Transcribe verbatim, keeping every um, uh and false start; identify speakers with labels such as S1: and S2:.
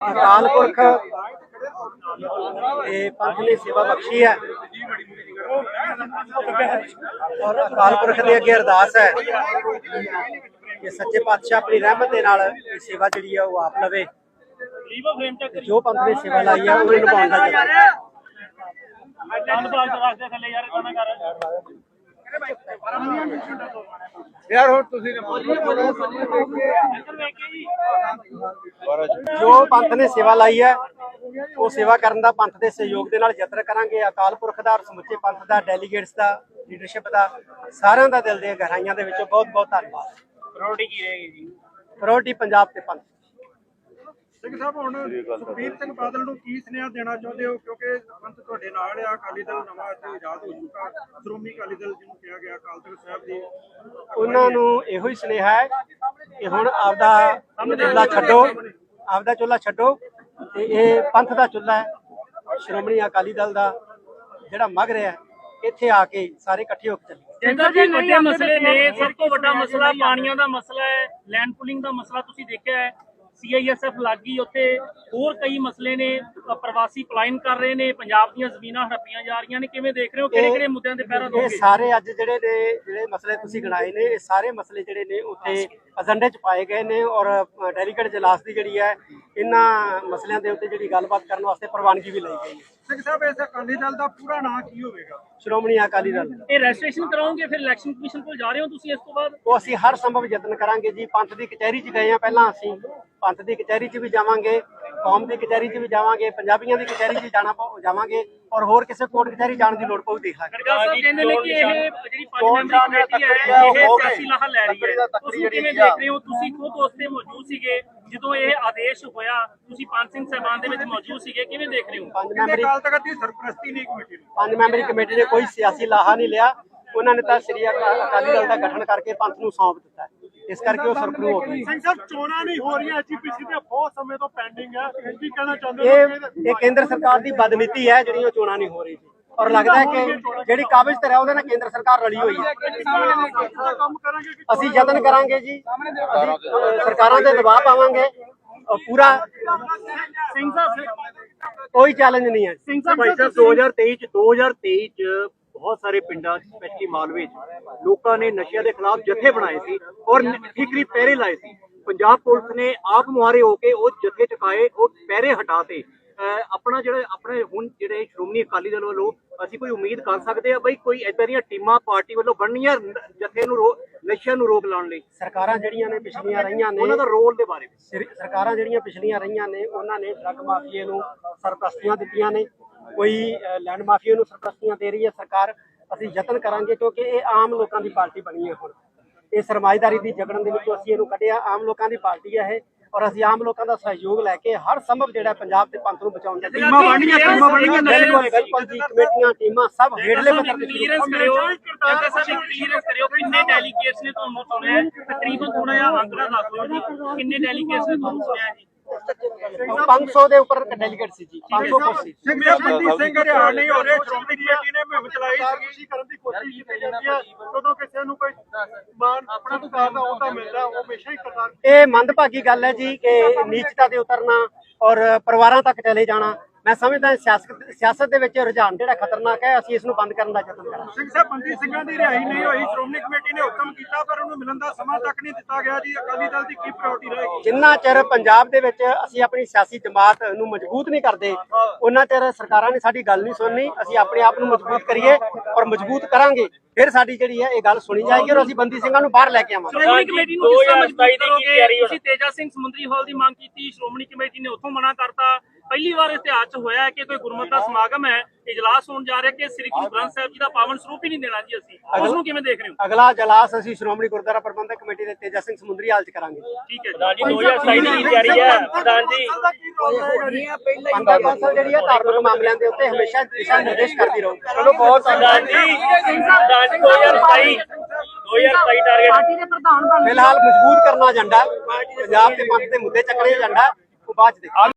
S1: अकाल पुरख पंथ ने सेवा बख्शी है और अकाल पुरख के अगे अरदास है कि सच्चे पातशाह अपनी रहमत के नाल सेवा जी है वो आप लवे। जो पंथ ने सेवा लाई है उन्हें निभाने यार जो पंथ ने सेवा लाई है वो सेवा करने का पंथ के सहयोग के नाल यत्न करांगे। अकाल पुरख दा और समुचे पंथ का डेलीगेट्स का लीडरशिप का सारिਆਂ ਦਾ दिल ਦੀਆਂ गहराइयां ਦੇ ਵਿੱਚੋਂ बहुत बहुत धन्यवाद। प्रायोरिटी की रहेगी जी? प्रायोरिटी पंजाब ते पंथ।
S2: ਸਿੰਘ ਸਾਹਿਬ ਹੁਣ ਸੁਖਬੀਰ ਸਿੰਘ ਬਾਦਲ ਨੂੰ ਕੀ ਸੁਨੇਹਾ ਦੇਣਾ ਚਾਹੁੰਦੇ ਹੋ ਕਿਉਂਕਿ ਪੰਥ ਤੁਹਾਡੇ ਨਾਲ ਆ, ਅਕਾਲੀ ਦਲ ਨਵਾਂ ਇੱਥੇ ਆਜ਼ਾਦ ਹੋ ਚੁੱਕਾ, ਸ਼੍ਰੋਮਣੀ ਅਕਾਲੀ ਦਲ ਜਿਹਨੂੰ ਕਿਹਾ ਗਿਆ ਅਕਾਲ ਤਖਤ ਸਾਹਿਬ ਦੀ,
S1: ਉਹਨਾਂ ਨੂੰ ਇਹੋ ਹੀ ਸੁਨੇਹਾ ਹੈ ਕਿ ਹੁਣ ਆਪਦਾ ਚੁੱਲ੍ਹਾ ਛੱਡੋ, ਆਪਦਾ ਚੁੱਲ੍ਹਾ ਛੱਡੋ ਤੇ ਇਹ ਪੰਥ ਦਾ ਚੁੱਲ੍ਹਾ ਹੈ, ਸ਼੍ਰੋਮਣੀ ਅਕਾਲੀ ਦਲ ਦਾ ਜਿਹੜਾ ਮਗ ਰਿਹਾ ਇੱਥੇ ਆ ਕੇ ਸਾਰੇ ਇਕੱਠੇ ਹੋ ਕੇ ਚੱਲੀਏ।
S3: ਜਿੰਦਾ ਜੀ ਵੱਡੇ ਮਸਲੇ ਨੇ, ਸਭ ਤੋਂ ਵੱਡਾ ਮਸਲਾ ਪਾਣੀਆਂ ਦਾ ਮਸਲਾ ਹੈ, ਲੈਂਡ ਪੁਲਿੰਗ ਦਾ ਮਸਲਾ ਤੁਸੀਂ ਦੇਖਿਆ ਹੈ, ਸੀ ਆਈ ਐਸ ਐਫ ਲੱਗੀ ਉੱਥੇ, ਹੋਰ ਕਈ ਮਸਲੇ ਨੇ, ਪ੍ਰਵਾਸੀ ਪਲਾਇਨ ਕਰ ਰਹੇ ਨੇ, ਪੰਜਾਬ ਦੀਆਂ ਜ਼ਮੀਨਾਂ ਹੜੱਪੀਆਂ ਜਾ ਰਹੀਆਂ ਨੇ, ਕਿਵੇਂ ਦੇਖ ਰਹੇ ਹੋ ਕਿਹੜੇ ਕਿਹੜੇ ਮੁੱਦਿਆਂ ਤੇ ਪਹਿਰਾ ਦੋਗੇ?
S1: ਇਹ ਸਾਰੇ ਅੱਜ ਜਿਹੜੇ ਨੇ ਜਿਹੜੇ ਮਸਲੇ ਤੁਸੀਂ ਗਿਣਾਏ ਨੇ ਇਹ ਸਾਰੇ ਮਸਲੇ ਜਿਹੜੇ ਨੇ ਉੱਥੇ ਏਜੰਡੇ 'ਚ ਪਾਏ ਗਏ ਨੇ ਔਰ ਡੈਲੀਗੇਟ ਜਲਾਸ ਦੀ ਜਿਹੜੀ ਹੈ ਇਹਨਾਂ ਮਸਲਿਆਂ ਦੇ ਉੱਤੇ ਜਿਹੜੀ ਗੱਲਬਾਤ ਕਰਨ ਵਾਸਤੇ ਪ੍ਰਵਾਨਗੀ ਵੀ ਲਈ ਗਈ ਹੈ।
S2: ਸਿੰਘ ਸਾਹਿਬ ਇਸ ਅਕਾਲੀ ਦਲ ਦਾ ਪੂਰਾ ਨਾਂ ਕੀ ਹੋਵੇਗਾ?
S1: ਸ਼੍ਰੋਮਣੀ ਅਕਾਲੀ ਦਲ।
S3: ਇਹ ਰਜਿਸਟ੍ਰੇਸ਼ਨ ਕਰਾਓਗੇ ਫਿਰ ਇਲੈਕਸ਼ਨ ਕਮਿਸ਼ਨ ਕੋਲ ਜਾ ਰਹੇ ਹੋ ਤੁਸੀਂ ਇਸ ਤੋਂ ਬਾਅਦ?
S1: ਉਹ ਅਸੀਂ ਹਰ ਸੰਭਵ ਯਤਨ ਕਰਾਂਗੇ ਜੀ। ਪੰਥ ਦੀ ਕਚਹਿਰੀ 'ਚ ਗਏ ਆ ਪਹਿਲਾਂ, ਅਸੀਂ ਪੰਥ ਦੀ ਕਚਹਿਰੀ 'ਚ ਵੀ ਜਾਵਾਂਗੇ, ਕੌਮ ਦੀ ਕਚਹਿਰੀ 'ਚ ਵੀ ਜਾਵਾਂਗੇ, ਪੰਜਾਬੀਆਂ ਦੀ ਕਚਹਿਰੀ 'ਚ ਜਾਣਾ ਜਾਵਾਂਗੇ ਔਰ ਹੋਰ ਕਿਸੇ ਕੋਰਟ ਕਚਹਿਰੀ ਜਾਣ ਦੀ ਲੋੜ ਪਊ ਦੇਖ ਲਾਂਗੇ।
S3: ਗੜਗਾ ਸਾਹਿਬ ਕਹਿੰਦੇ ਨੇ ਕਿ ਇਹ ਜਿਹੜੀ ਪੰਜ ਮੈਂਬਰੀ ਕਮੇਟੀ ਹੈ ਇਹ ਸਿਆਸੀ ਲਾਹਾ ਲੈ ਰਹੀ ਹੈ, ਤੁਸੀਂ ਕਿਵੇਂ ਦੇਖ ਰਹੇ ਹੋ? ਤੁਸੀਂ ਖੁਦ ਉਸ ਤੇ ਮੌਜੂਦ ਸੀਗੇ ਜਦੋਂ ਇਹ ਆਦੇਸ਼ ਹੋਇਆ, ਤੁਸੀਂ ਪੰਜ ਸਿੰਘ ਸਾਹਿਬਾਨ ਦੇ ਵਿੱਚ ਮੌਜੂਦ ਸੀਗੇ, ਕਿਵੇਂ ਦੇਖ ਰਹੇ ਹੋ?
S1: ਪੰਜ ਮੈਂਬਰੀ
S2: ਅਕਾਲ ਤਖਤ ਦੀ ਸਰਪ੍ਰਸਤੀ ਨਹੀਂ ਕਮੇਟੀ ਨੂੰ,
S1: ਪੰਜ ਮੈਂਬਰੀ ਕਮੇਟੀ ਨੇ ਕੋਈ ਸਿਆਸੀ ਲਾਹਾ ਨਹੀਂ ਲਿਆ, ਉਹਨਾਂ ਨੇ ਤਾਂ ਸ੍ਰੀ ਅਕਾਲੀ ਦਲ ਦਾ ਗਠਨ ਕਰਕੇ ਪੰਥ ਨੂੰ ਸੌਂਪ ਦਿੱਤਾ, ਇਸ ਕਰਕੇ ਉਹ ਸਰਪਰੂ ਹੋ ਗਈ।
S2: ਸਿੰਘ ਸਾਹਿਬ ਚੋਣਾਂ ਨਹੀਂ ਹੋ ਰਹੀਆਂ, ਐਜੀਪੀਸੀ ਦੇ ਬਹੁਤ ਸਮੇਂ ਤੋਂ ਪੈਂਡਿੰਗ ਹੈ, ਕੀ ਕਹਿਣਾ ਚਾਹੁੰਦੇ
S1: ਇਹ ਇਹ ਕੇਂਦਰ ਸਰਕਾਰ ਦੀ ਬਦਨੀਤੀ ਹੈ ਜਿਹੜੀ ਉਹ ਚੋਣਾਂ ਨਹੀਂ ਹੋ ਰਹੀ ਔਰ ਲੱਗਦਾ ਹੈ ਕਿ ਜਿਹੜੀ ਕਾਬਜ਼ ਤੇ ਹੈ ਉਹਦੇ ਨਾਲ ਕੇਂਦਰ ਸਰਕਾਰ ਰਲੀ ਹੋਈ ਹੈ।
S2: ਕੰਮ ਕਰਾਂਗੇ ਕਿ
S1: ਅਸੀਂ ਯਤਨ ਕਰਾਂਗੇ ਜੀ, ਅਸੀਂ ਸਰਕਾਰਾਂ ਤੇ ਦਬਾਅ ਪਾਵਾਂਗੇ ਔਰ ਪੂਰਾ
S3: ਸਿੰਘ ਸਾਹਿਬ
S1: ਕੋਈ ਚੈਲੰਜ ਨਹੀਂ ਹੈ।
S3: ਸਿੰਘ ਸਾਹਿਬ
S4: ਭਾਈ ਸਾਹਿਬ ਦੋ ਹਜ਼ਾਰ ਤੇਈ ਚ ਦੋ ਹਜ਼ਾਰ ਤੇਈ ਚ ਬਹੁਤ ਸਾਰੇ ਪਿੰਡਾਂ ਸਪੈਸ਼ਲੀ ਮਾਲਵੇ ਚ ਲੋਕਾਂ ਨੇ ਨਸ਼ਿਆਂ ਦੇ ਖਿਲਾਫ ਜਥੇ ਬਣਾਏ ਸੀ ਔਰ ਫਿਕਰੀ ਪਹਿਰੇ ਲਾਏ ਸੀ। ਪੰਜਾਬ ਪੁਲਿਸ ਨੇ ਆਪ ਮੁਹਾਰੇ ਹੋ ਕੇ ਉਹ ਜਥੇ ਚੁਕਾਏ, ਉਹ ਪਹਿਰੇ ਹਟਾਤੇ। ਆਪਣਾ ਜਿਹੜੇ ਆਪਣੇ ਹੁਣ ਜਿਹੜੇ ਸ਼੍ਰੋਮਣੀ ਅਕਾਲੀ ਦਲ ਵੱਲੋਂ ਅਸੀਂ ਕੋਈ ਉਮੀਦ ਕਰ ਸਕਦੇ ਆ ਬਈ ਕੋਈ ਏਦਾਂ ਦੀਆਂ ਟੀਮਾਂ ਪਾਰਟੀ ਵੱਲੋਂ ਬਣਨੀਆਂ ਜਥੇ ਨੂੰ ਨਸ਼ਿਆਂ ਨੂੰ ਰੋਕ ਲਾਉਣ ਲਈ?
S1: ਸਰਕਾਰਾਂ ਜਿਹੜੀਆਂ ਨੇ ਪਿਛਲੀਆਂ ਰਹੀਆਂ ਨੇ
S4: ਉਹਨਾਂ ਦਾ ਰੋਲ ਦੇ ਬਾਰੇ
S1: ਸਰਕਾਰਾਂ ਜਿਹੜੀਆਂ ਪਿਛਲੀਆਂ ਰਹੀਆਂ ਨੇ ਉਹਨਾਂ ਨੇ ਡਰੱਗ ਮਾਫੀਏ ਨੂੰ ਸਰਪ੍ਰਸਤੀਆਂ ਦਿੱਤੀਆਂ ਨੇ, ਕੋਈ ਲੈਂਡ ਮਾਫੀਏ ਨੂੰ ਸਰਪ੍ਰਸਤੀਆਂ ਦੇ ਰਹੀ ਹੈ ਸਰਕਾਰ। ਅਸੀਂ ਯਤਨ ਕਰਾਂਗੇ ਕਿਉਂਕਿ ਇਹ ਆਮ ਲੋਕਾਂ ਦੀ ਪਾਰਟੀ ਬਣੀ ਹੈ, ਹੁਣ ਇਹ ਸਰਮਾਏਦਾਰੀ ਦੀ ਜਗੜਨ ਦੇ ਵਿੱਚੋਂ ਅਸੀਂ ਇਹਨੂੰ ਕੱਢਿਆ, ਆਮ ਲੋਕਾਂ ਦੀ ਪਾਰਟੀ ਹੈ ਇਹ ਔਰ ਅਸੀਂ ਆਮ ਲੋਕਾਂ ਦਾ ਸਹਿਯੋਗ ਲੈ ਕੇ ਹਰ ਸੰਭਵ ਜਿਹੜਾ ਪੰਜਾਬ ਦੇ ਪੰਥ ਨੂੰ ਬਚਾਉਣ ਦੀ
S2: ਟੀਮਾਂ ਬਣਨੀਆਂ, ਟੀਮਾਂ ਬਣਨੀਆਂ,
S1: ਬਿਲਕੁਲ ਜੀ, ਕਮੇਟੀਆਂ ਟੀਮਾਂ ਸਭ ਹੇਠਲੇ ਪੱਧਰ ਤੇ
S3: ਕਲੀਅਰੈਂਸ ਕਰਿਓ, ਜੱਗਾ ਸਾਹਿਬ ਕਲੀਅਰੈਂਸ ਕਰਿਓ ਕਿੰਨੇ ਡੈਲੀਗੇਟਸ ਨੇ ਤੁਹਾਨੂੰ ਚੁਣਿਆ? ਤਕਰੀਬਨ ਥੋੜਾ ਜਿਹਾ ਅੰਕੜਾ ਦੱਸ ਦਿਓ ਜੀ, ਕਿੰਨੇ ਡੈਲੀਗੇਟਸ ਨੇ ਤੁਹਾਨੂੰ ਚੁਣਿਆ ਜੀ?
S1: ਪੰਜ ਸੌ ਦੇ ਉੱਪਰ ਡੈਲੀਗੇਟ ਸੀ ਜੀ, ਪੰਜ ਸੌ ਕੁਰਸੀ।
S2: ਸਿੰਘ ਸਾਹਿਬ ਬੰਦੀ ਸਿੰਘ ਹਰਿਆਣ ਨਹੀਂ ਹੋ ਰਹੇ, ਸ਼੍ਰੋਮਣੀ ਕਮੇਟੀ ਨੇ ਮੁਹਿੰਮ ਚਲਾਈ ਸੀ ਕਰਨ ਦੀ ਕੋਸ਼ਿਸ਼ ਕੀਤੀ ਜਾਂਦੀ ਹੈ, ਜਦੋਂ ਕਿਸੇ ਨੂੰ ਕੋਈ ਮਾਨ ਆਪਣਾ ਸਰਕਾਰ ਦਾ ਅਹੁਦਾ ਮਿਲਦਾ ਉਹ ਹਮੇਸ਼ਾ ਹੀ ਕਰਤਾਰ।
S1: ਇਹ ਮੰਦਭਾਗੀ ਗੱਲ ਹੈ ਜੀ ਕਿ ਨੀਚਤਾ ਤੇ ਉਤਰਨਾ ਔਰ ਪਰਿਵਾਰਾਂ ਤੱਕ ਚਲੇ ਜਾਣਾ। ਮੈਂ ਸਮਝਦਾ ਸਿਆਸਤ ਸਿਆਸਤ ਦੇ ਵਿੱਚ ਰੁਝਾਨ ਜਿਹੜਾ ਖਤਰਨਾਕ ਹੈ, ਅਸੀਂ ਇਸ ਨੂੰ ਬੰਦ ਕਰਨ ਦਾ ਯਤਨ ਕਰਾਂਗੇ।
S2: ਸਿੰਘ ਸਾਹਿਬ ਬੰਦੀ ਸਿੰਘਾਂ ਦੀ ਰਿਹਾਈ ਨਹੀਂ ਹੋਈ, ਸ਼੍ਰੋਮਣੀ ਕਮੇਟੀ ਨੇ ਹੁਕਮ ਕੀਤਾ ਪਰ ਉਹਨੂੰ ਮਿਲਣ ਦਾ ਸਮਾਂ ਤੱਕ ਨਹੀਂ ਦਿੱਤਾ ਗਿਆ ਜੀ, ਅਕਾਲੀ ਦਲ ਦੀ ਕੀ ਪ੍ਰਾਇੋਰਟੀ ਰਹੇਗੀ?
S1: ਜਿੰਨਾ ਚਿਰ ਪੰਜਾਬ ਦੇ ਵਿੱਚ ਅਸੀਂ ਆਪਣੀ ਸਿਆਸੀ ਜਮਾਤ ਨੂੰ ਮਜ਼ਬੂਤ ਨਹੀਂ ਕਰਦੇ ਉਹਨਾਂ ਚਿਰ ਸਰਕਾਰਾਂ ਨੇ ਸਾਡੀ ਗੱਲ ਨਹੀਂ ਸੁਣਨੀ। ਅਸੀਂ ਆਪਣੇ ਆਪ ਨੂੰ ਮਜ਼ਬੂਤ ਕਰੀਏ ਔਰ ਮਜ਼ਬੂਤ ਕਰਾਂਗੇ ਫਿਰ ਸਾਡੀ ਜਿਹੜੀ ਹੈ ਇਹ ਗੱਲ ਸੁਣੀ ਜਾਏਗੀ ਔਰ ਅਸੀਂ ਬੰਦੀ ਸਿੰਘਾਂ ਨੂੰ ਬਾਹਰ ਲੈ ਕੇ ਆਵਾਂਗੇ।
S3: ਸ਼੍ਰੋਮਣੀ ਕਮੇਟੀ ਨੂੰ ਕਿਸ ਤਰ੍ਹਾਂ ਮਜ਼ਬੂਤ ਕਰੋਗੇ? ਤੁਸੀਂ ਤੇਜਾ ਸਿੰਘ ਸਮੁੰਦਰੀ ਹਾਲ ਦੀ ਮੰਗ ਕੀਤੀ, ਸ਼੍ਰੋਮਣੀ ਕਮੇਟੀ ਨੇ ਉੱਥੋਂ ਮਨਾ ਕਰਤਾ। ਪਹਿਲੀ ਵਾਰ ਇਤਿਹਾਸ 'ਚ ਹੋਇਆ ਹੈ ਕਿ ਕੋਈ ਗੁਰਮਤਿ ਦਾ ਸਮਾਗਮ ਹੈ, ਇਜਲਾਸ ਹੋਣ ਜਾ ਰਿਹਾ ਕਿ ਸ੍ਰੀ ਗੁਰੂ ਗ੍ਰੰਥ ਸਾਹਿਬ ਜੀ ਦਾ ਪਾਵਨ ਸਰੂਪ ਹੀ ਨਹੀਂ ਦੇਣਾ ਜੀ, ਅਸੀਂ ਉਸ ਨੂੰ ਕਿਵੇਂ ਦੇਖ ਰਹੇ ਹੋ?
S1: ਅਗਲਾ ਇਜਲਾਸ ਅਸੀਂ ਸ਼੍ਰੋਮਣੀ ਗੁਰਦੁਆਰਾ ਪ੍ਰਬੰਧਕ ਕਮੇਟੀ ਦੇ ਤੇਜਾ ਸਿੰਘ ਸਮੁੰਦਰੀ ਹਾਲ 'ਚ ਕਰਾਂਗੇ।
S3: ਠੀਕ ਹੈ ਜੀ, ਦੋ ਹਜ਼ਾਰ ਸਤਾਈ ਦੀ ਤਿਆਰੀ ਹੈ ਪ੍ਰਧਾਨ ਜੀ।
S1: ਪੰਥ ਕੌਂਸਲ ਜਿਹੜੀ ਹੈ ਧਾਰਮਿਕ ਮਾਮਲਿਆਂ ਦੇ ਉੱਤੇ ਹਮੇਸ਼ਾ ਦਿਸ਼ਾ ਨਿਰਦੇਸ਼ ਕਰਦੀ ਰਹੂ।
S3: ਚਲੋ ਬਹੁਤ ਪ੍ਰਧਾਨ ਜੀ, ਪ੍ਰਧਾਨ ਜੀ ਦੋ ਹਜ਼ਾਰ ਸਤਾਈ ਦੋ ਹਜ਼ਾਰ ਸਤਾਈ ਟਾਰਗੇਟ
S1: ਫਿਲਹਾਲ ਮਜ਼ਬੂਤ ਕਰਨਾ ਏਜੰਡਾ, ਪੰਜਾਬ ਦੇ ਪੰਥ ਦੇ ਮੁੱਦੇ ਚੱਕਣੇ ਏਜੰਡਾ ਉਹ ਬਾਅਦ ਚ ਦੇਖਾਂਗੇ।